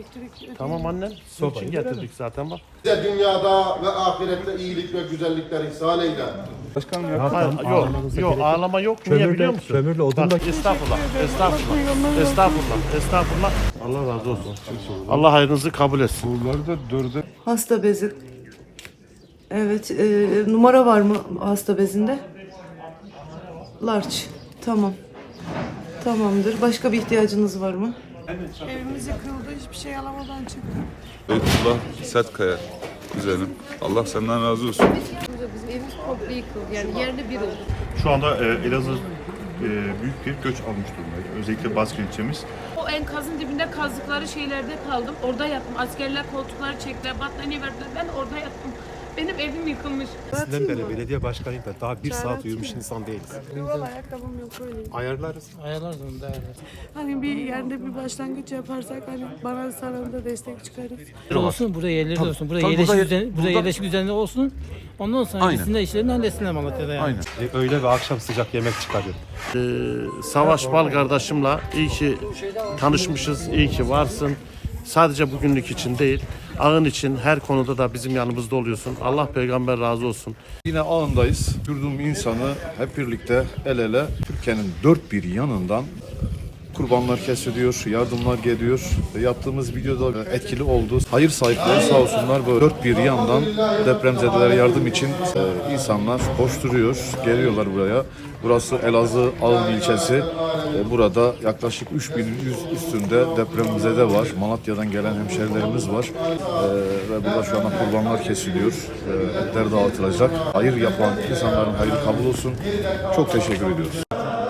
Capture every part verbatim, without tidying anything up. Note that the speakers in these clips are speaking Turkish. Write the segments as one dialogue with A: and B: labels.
A: elektrik.
B: Tamam annem. Su için getirdik zaten bak.
C: Bize dünyada ve ahirette iyilik ve güzellikler ihsan eyle.
D: Başkanım ya.
B: Hayır, yok, yok ağlama yok. Niye biliyor musun?
E: Kömürle, odunla.
B: Bak, estağfurullah, estağfurullah, estağfurullah, estağfurullah. Allah razı olsun. Allah hayrınızı kabul etsin.
D: Bunları da dörde
F: Hasta bezi. Evet, e, numara var mı hasta bezinde? Large. Tamam. Tamamdır. Başka bir ihtiyacınız var mı?
A: Evimiz yıkıldı, hiçbir şey alamadan çıktık.
D: Beytullah Sertkaya kuzenim. Allah senden razı olsun.
G: Bizim evimiz komple yıkıldı. Yani yerle bir oldu.
H: Şu anda e, Elazığ e, büyük bir göç almış durumda. Özellikle Baskın ilçemiz.
G: O enkazın dibinde kazdıkları şeylerde kaldım. Orada yattım. Askerler koltukları çektiler, battaniye verdiler. Ben orada yattım. Benim evim yıkılmış.
E: Sizden beri belediye başkanıyım ben. Daha bir saat uyumuş insan değiliz.
A: Yuval ayakkabım yok öyle.
E: Ayarlarız.
I: Ayarlarsın da.
A: Hani bir yerde bir başlangıç yaparsak hani bana sana da destek çıkarız.
I: Olsun buraya yerleri de olsun. Buraya
E: tabii
I: yerleşik
E: burada-
I: düzeni, buraya
E: burada-
I: yerleşik düzenli olsun. Ondan sonra
D: Aynen.
I: gitsinler işlerini halletsinler Malatya'da yani.
D: Aynen.
E: E, öğle ve akşam sıcak yemek çıkarıyor.
B: Ee, Savaş Bal kardeşimle iyi ki tanışmışız, iyi ki varsın. Sadece bugünlük için değil, ağın için her konuda da bizim yanımızda oluyorsun. Allah peygamber razı olsun.
J: Yine ağındayız. Yurdum insanı hep birlikte el ele Türkiye'nin dört bir yanından kurbanlar kesiliyor, yardımlar geliyor. Yaptığımız videoda etkili oldu. Hayır sahipleri sağ olsunlar böyle dört bir yandan depremzedelere yardım için e, insanlar koşturuyor, geliyorlar buraya. Burası Elazığ Ağın ilçesi. E, burada yaklaşık üç bin yüz üstünde depremzede var. Malatya'dan gelen hemşerilerimiz var. E, ve burada şu anda kurbanlar kesiliyor. E, etler dağıtılacak. Hayır yapan insanların hayrı kabul olsun. Çok teşekkür ediyoruz.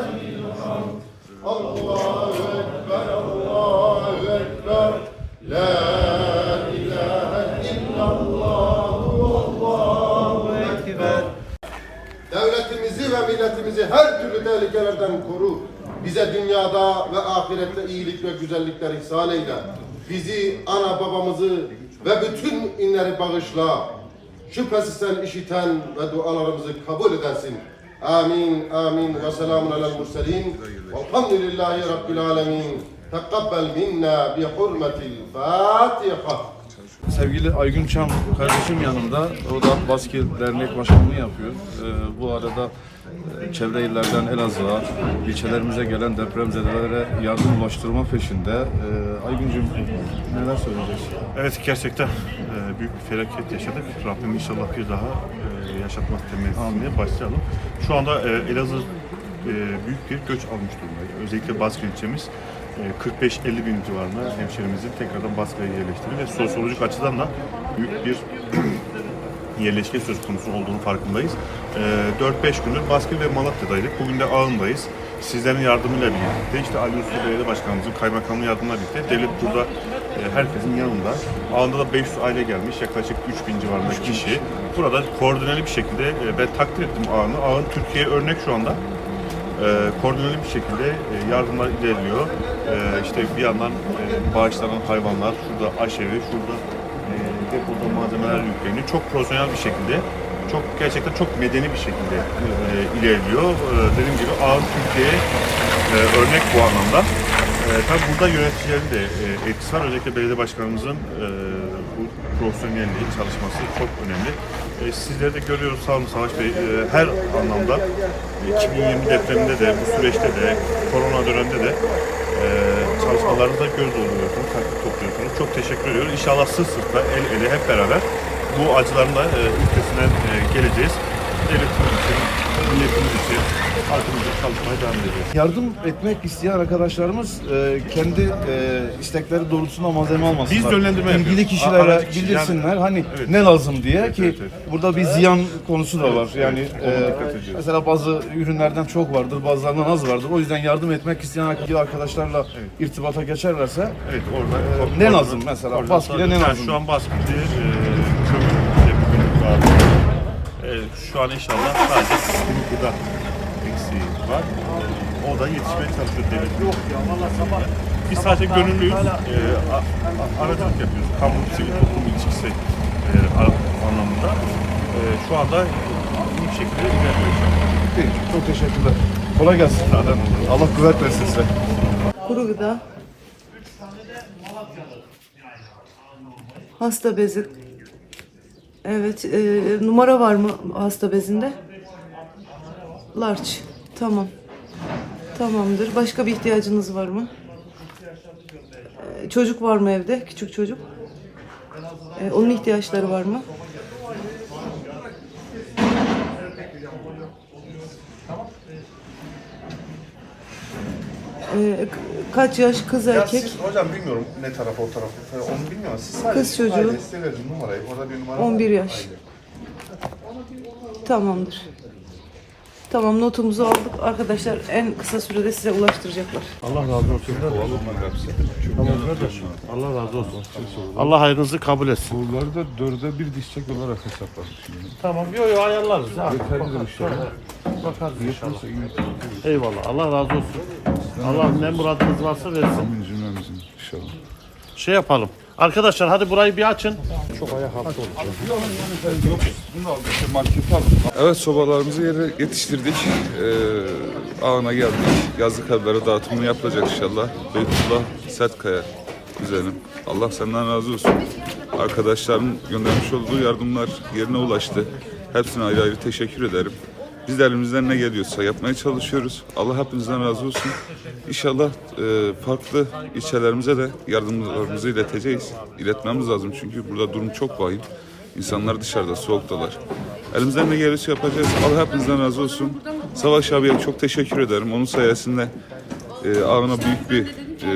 C: Devletimizi ve milletimizi her türlü tehlikelerden koru. Bize dünyada ve ahirette iyilik ve güzellikler ihsan eyle. Bizi, ana babamızı ve bütün inleri bağışla. Şüphesiz sen işiten ve dualarımızı kabul edensin. Amin, amin ve selamun alel murselin. Velhamdülillahi Rabbil alemin. Tekabbel minna bi hurmetil Fatiha.
J: Sevgili Aygün Çam kardeşim yanımda. O da Baskil Dernek Başkanlığı yapıyor. Ee, bu arada e, çevre illerden Elazığ'a, ilçelerimize gelen depremzedelere yardım ulaştırma peşinde. Ee, Aygüncüm neler söyleyeceksin?
H: Evet, gerçekten e, büyük bir felaket yaşadık. Rabbim inşallah bir daha e, yaşatmaz temennisine başlayalım. Şu anda e, Elazığ e, büyük bir göç almış durumda. Özellikle Baskın ilçemiz kırk beş elli bin civarında hemşehrimizin tekrardan Baskı'ya yerleştiğini ve sosyolojik açıdan da büyük bir yerleşke söz konusu olduğunu farkındayız. dört beş gündür Baskı ve Malatya'daydık. Bugün de Ağın'dayız. Sizlerin yardımıyla birlikte, işte Ali Usta Belediye Başkanımızın kaymakamlığı yardımıyla birlikte devlet burada herkesin yanında. Ağın'da da beş yüz aile gelmiş, yaklaşık üç bin civarında kişi. Burada koordineli bir şekilde ben takdir ettim Ağın'ı. Ağın Türkiye'ye örnek şu anda. E, koordineli bir şekilde e, yardımlar ilerliyor. E, işte bir yandan e, bağışlanan hayvanlar, şurada aşevi, şurada e, depoda malzemeler yükleniyor. Çok profesyonel bir şekilde, çok gerçekten çok medeni bir şekilde e, ilerliyor. E, dediğim gibi Ağın Türkiye'ye e, örnek bu anlamda. E, tabii burada yöneticilerin de e, etkisi var. Özellikle belediye başkanımızın e, bu profesyonelliği, çalışması çok önemli. E, sizleri de görüyoruz, sağ olun Savaş Bey. E, her anlamda iki bin yirmi depreminde de, bu süreçte de, korona döneminde de e, çalışmalarınızda göz dolduruyorsunuz, takip topluyorsunuz. Çok teşekkür ediyoruz. İnşallah sırt sırta, el ele hep beraber bu acıların da e, üstesinden e, geleceğiz. Devletimiz için, milletimiz için halkımızla çalışmaya devam edeceğiz.
J: Yardım etmek isteyen arkadaşlarımız e, kendi e, istekleri doğrultusunda malzeme almasınlar.
H: Biz yönlendirme
J: İlgili
H: yapıyoruz.
J: kişilere
H: Aracı kişi-
J: bildirsinler
H: yani-
J: hani
H: Evet.
J: ne lazım diye
H: Evet,
J: ki
H: evet, evet.
J: burada bir ziyan konusu da var. Yani
H: evet. Ona
J: e,
H: dikkat ediyoruz.
J: mesela bazı ürünlerden çok vardır, bazılarından az vardır. O yüzden yardım etmek isteyen arkadaşlarla irtibata geçerlerse
H: Evet, orada
J: Ee, ne lazım mesela?
H: Orada
J: Baskı'da ne
H: yani
J: lazım?
H: Şu an Baskı'da e, kömür işte bugün var. E, şu an inşallah sadece sıkıntı gıda eksiği var. E, o da yetişmeye çalışıyor devlet. Yok ya valla sabah. Biz sadece gönüllüyüz. E, a- a- aracılık yapıyoruz. Kamu sivil toplum ilişkisi e, a- anlamında. E, şu anda iyi bir şekilde ilerliyoruz.
J: Peki, çok teşekkürler. Kolay gelsin.
H: Zaten olur.
J: Allah kuvvet versin size.
F: Kuru gıda. Hasta bezi. Evet. E, numara var mı hasta bezinde? Large. Tamam. Tamamdır. Başka bir ihtiyacınız var mı? E, çocuk var mı evde? Küçük çocuk. E, onun ihtiyaçları var mı? E, kaç yaş kız erkek?
K: Siz hocam bilmiyorum ne taraf o taraf onu bilmiyorum. Siz sadece
F: Kız çocuğu.
K: ailesine verin numarayı. Orada bir numara
F: on bir
K: var.
F: yaş. Tamamdır. Tamam, notumuzu aldık. Arkadaşlar en kısa sürede size ulaştıracaklar.
B: Allah razı olsun. Tamam kardeşim. Allah razı olsun. Allah hayrınızı kabul etsin.
D: Bunları da dörde bir dişçek olarak hesapladık şimdi.
B: Tamam, yo yo ayarlarız. Ya.
D: Yeterlidir inşallah.
B: Bakarız inşallah. Eyvallah. Allah razı olsun. Allah ne muradınız varsa versin.
D: Amin cümlemizin inşallah.
B: Şey yapalım. Arkadaşlar hadi burayı bir açın.
D: Evet, sobalarımızı yere yetiştirdik. Ee, ağına geldik. Yazlık evlere dağıtımını yapılacak inşallah. Beytullah Sertkaya kuzenim. Allah senden razı olsun. Arkadaşların göndermiş olduğu yardımlar yerine ulaştı. Hepsine ayrı ayrı teşekkür ederim. Biz de elimizden ne geliyorsa yapmaya çalışıyoruz. Allah hepinizden razı olsun. İnşallah e, farklı ilçelerimize de yardımlarımızı ileteceğiz. İletmemiz lazım çünkü burada durum çok vahim. İnsanlar dışarıda, soğuktalar. Elimizden ne geliyorsa yapacağız. Allah hepinizden razı olsun. Savaş abiye çok teşekkür ederim. Onun sayesinde e, ağına büyük bir e,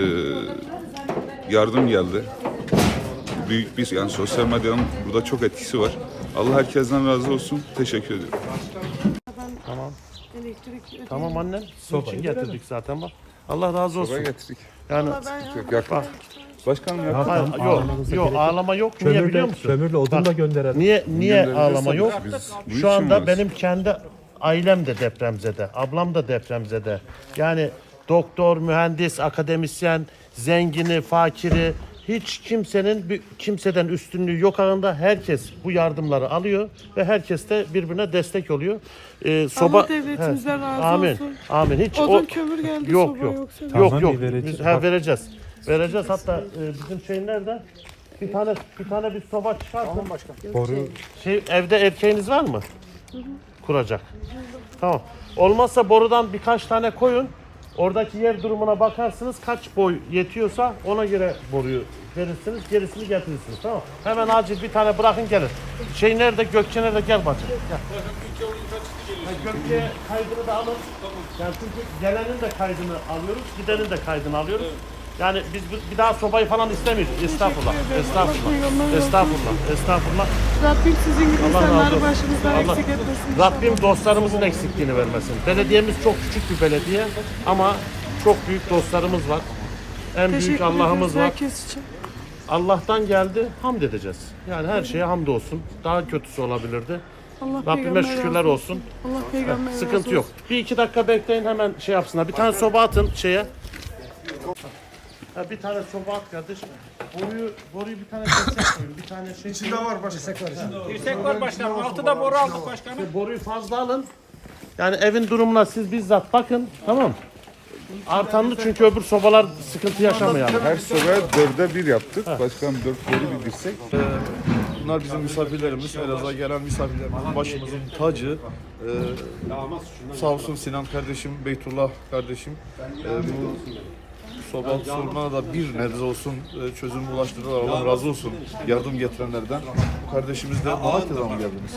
D: yardım geldi. Büyük bir, yani sosyal medyanın burada çok etkisi var. Allah herkesten razı olsun. Teşekkür ediyorum.
B: Tamam.
A: Elektrik
B: Tamam annem. Sizin için getirdik zaten bak. Allah razı olsun.
D: Soba getirdik.
B: Yani
D: Yok, yakın. Başkanım yakın.
B: hayır, yok, yok ağlama yok. Niye biliyor musun?
E: Kömürle odun
B: Bak,
E: da gönderelim.
B: Niye niye
D: Gönderebilirseniz
B: ağlama yok?
D: biz bu
B: Şu
D: için
B: anda
D: varız.
B: benim kendi ailem de depremzede, ablam da depremzede. Yani doktor, mühendis, akademisyen, zengini, fakiri, hiç kimsenin bir- kimseden üstünlüğü yok ağında. Herkes bu yardımları alıyor ve herkes de birbirine destek oluyor. Ee, soba
A: Allah devletimizden razı
B: Amin.
A: olsun.
B: Amin. Hiç
A: Odun
B: o
A: kömür geldi,
B: yok
A: soba
B: yok.
A: yoksa.
B: Yok
E: Tamam,
B: yok.
E: bir vereceğiz.
B: Biz ha, vereceğiz. Vereceğiz. Hatta e, bizim şey nerede? Bir tane bir tane bir soba çıkartın.
E: Boru
B: Şey, evde erkeğiniz var mı? Kuracak. Tamam. Olmazsa borudan birkaç tane koyun. Oradaki yer durumuna bakarsınız. Kaç boy yetiyorsa ona göre boruyu verirsiniz. Gerisini getirirsiniz. Tamam. Hemen acil bir tane bırakın gelin. Şey nerede? Gökçe nerede? Gel bacım. Gel. Ha, Gökçe kaydını da alın. Yani çünkü gelenin de kaydını alıyoruz. Gidenin de kaydını alıyoruz. Yani biz bu- bir daha sobayı falan istemiyoruz. Estağfurullah. Estağfurullah. Estağfurullah. Estağfurullah.
A: Rabbim sizin gibi
B: Allah razı
A: insanları
B: olsun.
A: başımızdan
B: Allah-
A: eksik etmesin. inşallah.
B: Rabbim dostlarımızın eksikliğini vermesin. Belediyemiz çok küçük bir belediye ama çok büyük dostlarımız var. En büyük
A: Teşekkür
B: Allah'ımız
A: ederiz
B: var.
A: herkes için.
B: Allah'tan geldi, hamd edeceğiz. Yani her şeye hamdolsun. Daha kötüsü olabilirdi.
A: Allah
B: Rabbime
A: peygamber
B: şükürler
A: razı
B: olsun.
A: Allah peygamber razı
B: Sıkıntı
A: olsun.
B: yok. Bir iki dakika bekleyin, hemen şey yapsınlar. Bir tane soba atın şeye. Ha, bir tane soba at kardeşim. Boruyu, boruyu bir tane destek koyun. Bir tane şey. İçinde var başkanım.
I: Yüksek var başkanım. Altıda boru aldık başkanım.
B: Boruyu fazla alın. Yani evin durumuna siz bizzat bakın. Tamam. Artanlı çünkü öbür sobalar sıkıntı yaşamayalım.
D: Her sobaya dörde bir yaptık. Başkanım dört boru bildirsek.
J: Bunlar bizim misafirlerimiz. Elazığ'a gelen misafirlerimizin başımızın tacı. Ee, sağ olsun Sinan kardeşim, Beytullah kardeşim. Ee, bu soba sorununa da bir nebze olsun e, çözüm ulaştırdılar. Allah razı olsun yardım getirenlerden. Bu kardeşimiz de Malatya'dan mı geldiniz?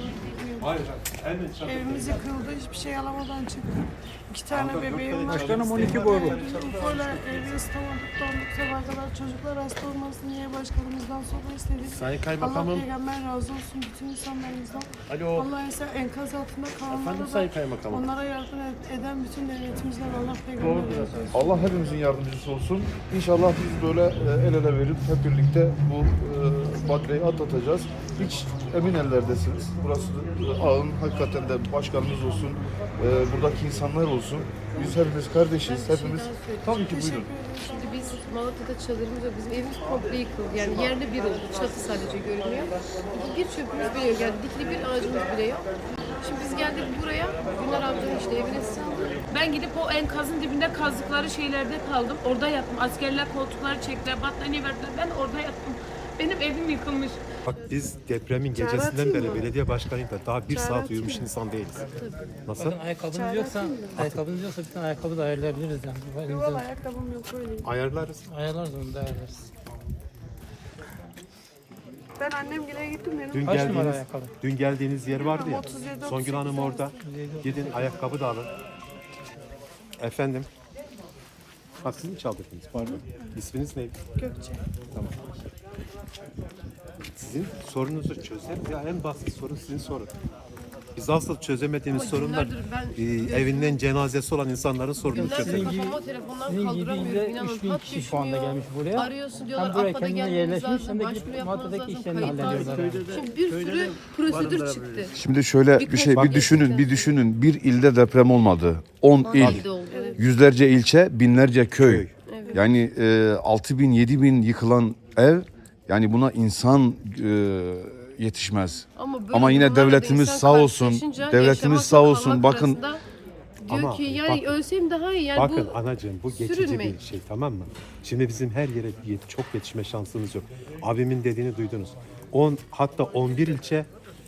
A: Evimiz yıkıldı, hiçbir şey alamadan çıktık. İki tane bebeğim var.
I: Başkanım on iki boru.
A: Ufoyla evi ısıtamadık, donduk sabaha kadar. Çocuklar hasta olmasın diye başkanımızdan soba istedik.
B: Sayın
A: Allah
B: Kaymakamım.
A: peygamber razı olsun bütün insanlarımızdan.
B: Alo.
A: Allah ise enkaz altında
B: Efendim
A: kalanlara
B: Sayın
A: da
B: Kaymakamım.
A: onlara yardım ed- eden bütün devletimizden Allah peygamber
B: Doğrudur
A: razı olsun.
J: Allah hepimizin yardımcısı olsun. İnşallah biz böyle e, el ele verip hep birlikte bu e, badireyi atlatacağız. Hiç emin ellerdesiniz. Burası e, ağın hakikaten de başkanımız olsun, e, buradaki insanlar olsun. Biz hepimiz kardeşiz, hepimiz. Tabii ki buyurun.
L: Şimdi biz Malatya'da çadırımız yok. Bizim evimiz komple yıkıldı. Yani yerle bir oldu. Çatı sadece görünüyor. Bir çöpümüz bile yok. Yani dikili bir ağacımız bile yok. Şimdi biz geldik buraya. Güner amcanın işte evine sığındık.
G: Ben gidip o enkazın dibinde kazdıkları şeylerde kaldım. Orada yattım. Askerler koltukları çektiler, battaniye verdiler. Ben orada yattım. Benim evim yıkılmış.
E: Bak biz depremin gecesinden beri belediye başkanıyla daha bir saat uyumuş insan değiliz. Nasıl?
I: Bakın ayakkabınız yoksa, ayakkabınız yoksa bir tane ayakkabı da ayarlayabiliriz yani.
A: Yok
I: Elimizden
A: ayakkabım yok öyle.
E: Ayarlarız.
I: ayarlarız onu da ayarlarız.
A: Ben annemgile gittim benim.
E: Dün
I: Kaç numara
E: geldiğiniz,
I: ayakkabı?
E: dün geldiğiniz yer vardı ya.
A: otuz yedi,
E: Songül
A: otuz
E: Hanım
A: sekiz
E: orada. Gidin ayakkabı da alın. Efendim. Ha siz mi çaldırdınız? Pardon. İsminiz neydi?
A: Gökçe.
E: Tamam. Sizin sorunuzu çözeriz. Ya en basit sorun sizin sorun. Biz asıl çözemediğimiz
L: Ama
E: sorunlar
L: günlerdir ben
E: e,
L: görüyorum.
E: evinden cenazesi olan insanların sorununu
L: Günlerdir
E: çözeriz.
L: kafama telefondan
I: Sizin gibi
L: kaldıramıyorum.
I: yüzde
L: İnanın
I: üç bin
L: hat
I: kişi şu anda
L: düşmüyor.
I: gelmiş buraya.
L: Arıyorsun diyorlar
I: Hem buraya
L: AFAD'a
I: kendine
L: gelmeniz
I: yerleşmiş
L: lazım.
I: hem de
L: Başvuru
I: gidip
L: yapmanız
I: Malatya'daki
L: lazım.
I: işlerini
L: Kayıt
I: hallediyorlar.
L: lazım. Şimdi bir sürü prosedür çıktı.
J: Şimdi şöyle bir şey bir düşünün bir düşünün bir ilde deprem olmadı. on il,
L: İlde oldu. Evet.
J: yüzlerce ilçe, binlerce köy.
L: Evet.
J: Yani e, altı bin yedi bin yıkılan ev yani buna insan e, yetişmez.
L: Ama, böyle
J: Ama yine
L: durumlarla da
J: devletimiz
L: insan
J: sağ olsun,
L: karşılaşınca
J: devletimiz
L: yaşamakla
J: sağ olsun.
L: kalmak
J: Bakın
L: arasında diyor
E: Ama
L: ki yani
E: bakın-
L: ölsem daha iyi. Yani
E: Bakın
L: bu
E: anacığım bu geçici
L: sürünmeyin.
E: bir şey tamam mı? Şimdi bizim her yere yet- çok yetişme şansımız yok. Abimin dediğini duydunuz. on hatta on bir ilçe,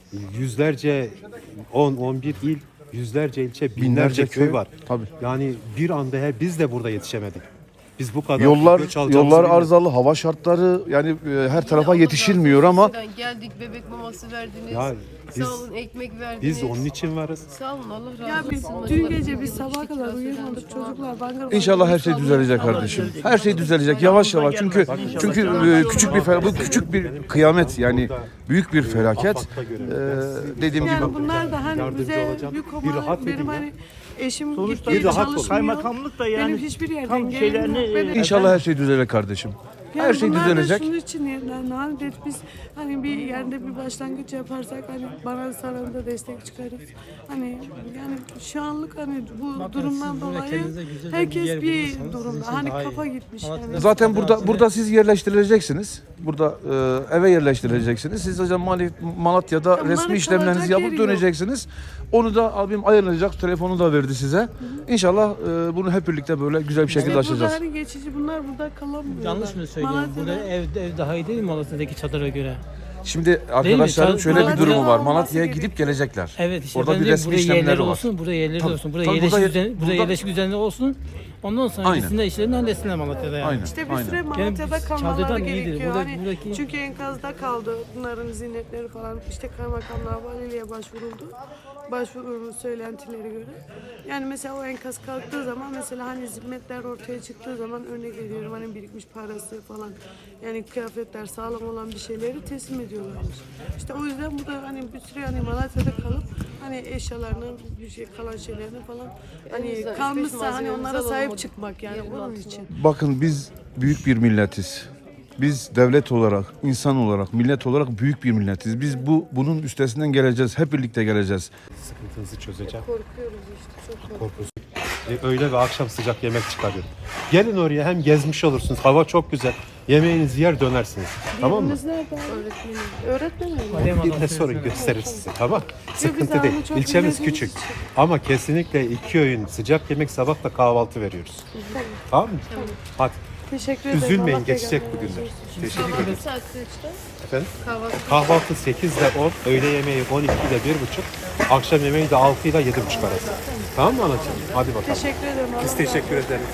E: yüzlerce on on bir il, yüzlerce ilçe, binlerce,
J: Binlerce
E: köy
J: köy,
E: var.
J: tabii.
E: Yani bir anda her biz de burada yetişemedik. Biz bu kadar
J: yollar
E: göç alacağımızı
J: yollar
E: bilmiyorduk.
J: arızalı, hava şartları yani e, her tarafa
L: Allah
J: yetişilmiyor
L: razı
J: ama
L: olsun sizden. Geldik bebek maması verdiniz.
E: Ya biz-
L: Sağ olun ekmek verdiniz.
E: Biz onun için varız.
L: Sağ olun Allah razı
A: Ya
L: olsun.
A: biz dün gece biz sabaha kadar uyuyamadık çocuklar. Bangır
J: İnşallah her şey düzelecek kardeşim. Her şey düzelecek yavaş yavaş çünkü çünkü e, küçük bir fel- bu küçük bir kıyamet yani büyük bir felaket.
E: Afak'ta görelim.
J: Ee, dediğim gibi
A: Yani bunlar da hani
E: Yardımcı
A: bize
E: olacağım.
A: yük
E: Bir
A: olmalı.
E: rahat edin
A: Benim
E: ya.
A: hani eşim
H: Sonuçta
A: gitti
E: bir rahat ol.
A: çalışmıyor.
H: Kaymakamlık da yani
A: Benim hiçbir yerden
H: tam
A: gelirim
H: şeylerini,
A: yok. Benim-
J: İnşallah her şey düzelecek kardeşim.
A: Yani
J: Her şey
A: bunlar da
J: düzelecek.
A: şunun için yani hani dedik biz hani bir yerde bir başlangıç yaparsak hani bana sana da destek çıkarız. Hani yani şu anlık hani bu
I: Bakın
A: durumdan
I: siz burada
A: dolayı
I: kendinize güzel bir
A: herkes
I: yer
A: bir
I: bulursanız sizin
A: durumda.
I: için
A: Hani
I: daha iyi.
A: kafa gitmiş
I: Malatya'da-
A: yani.
J: Zaten burada burada siz yerleştirileceksiniz. Burada e, eve yerleştirileceksiniz. Siz hocam Mali- Malatya'da
A: bunların
J: resmi işlemlerinizi
A: kalacak
J: yapıp
A: yeri yok.
J: döneceksiniz. Onu da abim ayarlayacak. Telefonu da verdi size. İnşallah e, bunu hep birlikte böyle güzel bir şekilde
A: İşte burada
J: aşacağız.
A: hani geçici bunlar burada kalamıyorlar.
I: Yanlış mı söylüyorum?
A: Malatya'da-
I: Burada ev, ev daha iyi değil mi Malatya'daki çadıra göre?
J: Şimdi arkadaşların
I: Çal-
J: şöyle bir
I: Malatya'da
J: durumu var.
A: olması
J: Malatya'ya
A: gerekiyor.
J: gidip gelecekler.
I: Evet işte
J: Orada
I: ben
J: bir
I: diyorum,
J: resmi
I: buraya yerleri
J: işlemleri var.
I: olsun, buraya yerleri
J: Tabii,
I: olsun, buraya
J: tabii,
I: yerleşik
J: burada-
I: düzen, buraya
J: burada-
I: yerleşik düzenli olsun. Ondan sonra
J: Aynen.
I: gitsinler işlerini halletsinler Malatya'da yani.
J: Aynen.
A: İşte bir
J: Aynen.
A: süre Malatya'da
I: Yani
A: kalmaları
I: çadırdan iyidir.
A: gerekiyor.
I: Burada-
A: Hani
I: buradaki-
A: çünkü enkazda kaldı. Bunların ziynetleri falan. İşte kaymakamlığa, valiliğe başvuruldu. Başvurunun söylentileri göre. Yani mesela o enkaz kalktığı zaman mesela hani zimmetler ortaya çıktığı zaman örnek veriyorum hani birikmiş parası falan yani kıyafetler sağlam olan bir şeyleri teslim ediyorlarmış. İşte o yüzden bu da hani bir süre hani Malatya'da kalıp hani eşyalarını bir şey kalan şeylerini falan hani
L: Elimizden üç beş
A: kalmışsa hani
L: malzememizi
A: onlara
L: alalım
A: sahip
L: o
A: çıkmak yani
L: yerin
A: bunun
L: altına.
A: için.
J: Bakın biz büyük bir milletiz. Biz devlet olarak, insan olarak, millet olarak büyük bir milletiz. Biz bu bunun üstesinden geleceğiz. Hep birlikte geleceğiz.
E: Sıkıntınızı çözeceğim.
L: Korkuyoruz işte çok korkuyoruz.
E: E, öğle ve akşam sıcak yemek çıkarıyorum. Gelin oraya hem gezmiş olursunuz. Hava çok güzel. Yemeğinizi yer dönersiniz. Tamam mı?
A: Yeriniz nerede? Öğretmenim. Öğretmenim mi?
I: Adıyaman
E: Bir de
I: Adası
E: sorun
I: mesela.
E: gösterir size tamam.
A: biz
E: Sıkıntı
A: onu
E: değil.
A: çok
E: İlçemiz
A: bilmediğimiz
E: küçük.
A: için.
E: Ama kesinlikle iki öğün sıcak yemek sabah da kahvaltı veriyoruz. Tamam mı? Hadi.
A: Teşekkür ederim.
E: Üzülmeyin
A: Allah
E: geçecek
A: peygamber
E: bu
A: razı
E: günler.
A: olsun.
E: Teşekkür ederim.
L: Kahvaltı saat kaçta?
E: Efendim?
L: Kahvaltı.
E: Kahvaltı sekizde on, öğle yemeği on iki ile bir buçuk, akşam yemeği de altı ile yedi buçuk arası. Tamam mı anacığım? Hadi bakalım.
A: Teşekkür ederim.
E: Biz
A: Allah
E: teşekkür ederiz.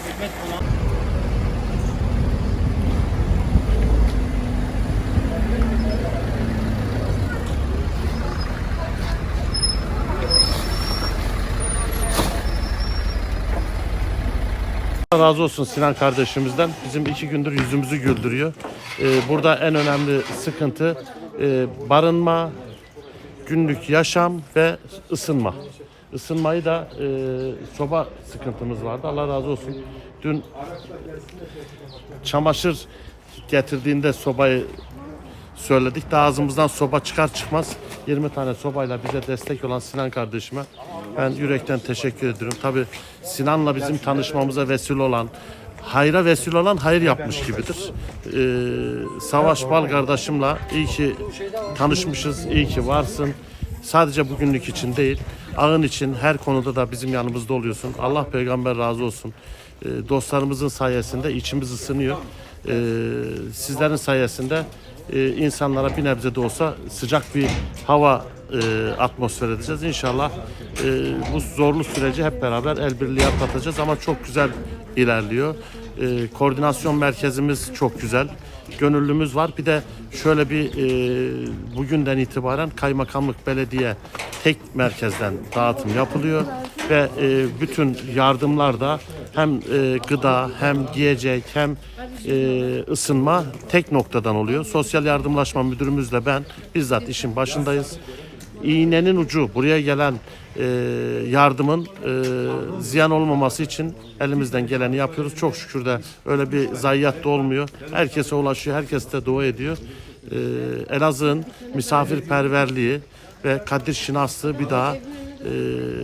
E: Allah razı olsun Sinan kardeşimizden. Bizim iki gündür yüzümüzü güldürüyor. Ee, burada en önemli sıkıntı e, barınma, günlük yaşam ve ısınma. Isınmayı da e, soba sıkıntımız vardı. Allah razı olsun. Dün çamaşır getirdiğinde sobayı söyledik. Daha ağzımızdan soba çıkar çıkmaz yirmi tane sobayla bize destek olan Sinan kardeşime ben yürekten teşekkür ediyorum. Tabii Sinan'la bizim tanışmamıza vesile olan, hayra vesile olan hayır yapmış gibidir. Ee, Savaş Bal kardeşimle iyi ki tanışmışız, iyi ki varsın. Sadece bugünlük için değil, ağın için her konuda da bizim yanımızda oluyorsun. Allah peygamber razı olsun. Ee, dostlarımızın sayesinde içimiz ısınıyor. Ee, sizlerin sayesinde
B: e, insanlara bir nebze de olsa sıcak bir hava e, atmosfer edeceğiz. İnşallah e, bu zorlu süreci hep beraber el birliği atlatacağız ama çok güzel ilerliyor. E, koordinasyon merkezimiz çok güzel. Gönüllümüz var. Bir de şöyle bir e, bugünden itibaren kaymakamlık, belediye tek merkezden dağıtım yapılıyor ve e, bütün yardımlar da hem e, gıda hem giyecek hem e, ısınma tek noktadan oluyor. Sosyal Yardımlaşma Müdürümüzle ben bizzat işin başındayız. İğnenin ucu buraya gelen e, yardımın e, ziyan olmaması için elimizden geleni yapıyoruz. Çok şükür de öyle bir zayiat da olmuyor. Herkese ulaşıyor, herkes de dua ediyor. E, Elazığ'ın misafirperverliği ve kadir şinaslığı bir daha e,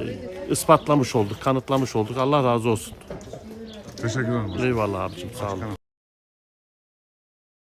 B: ispatlamış olduk, kanıtlamış olduk. Allah razı olsun.
D: Teşekkür ederim.
B: Eyvallah abicim, sağ olun.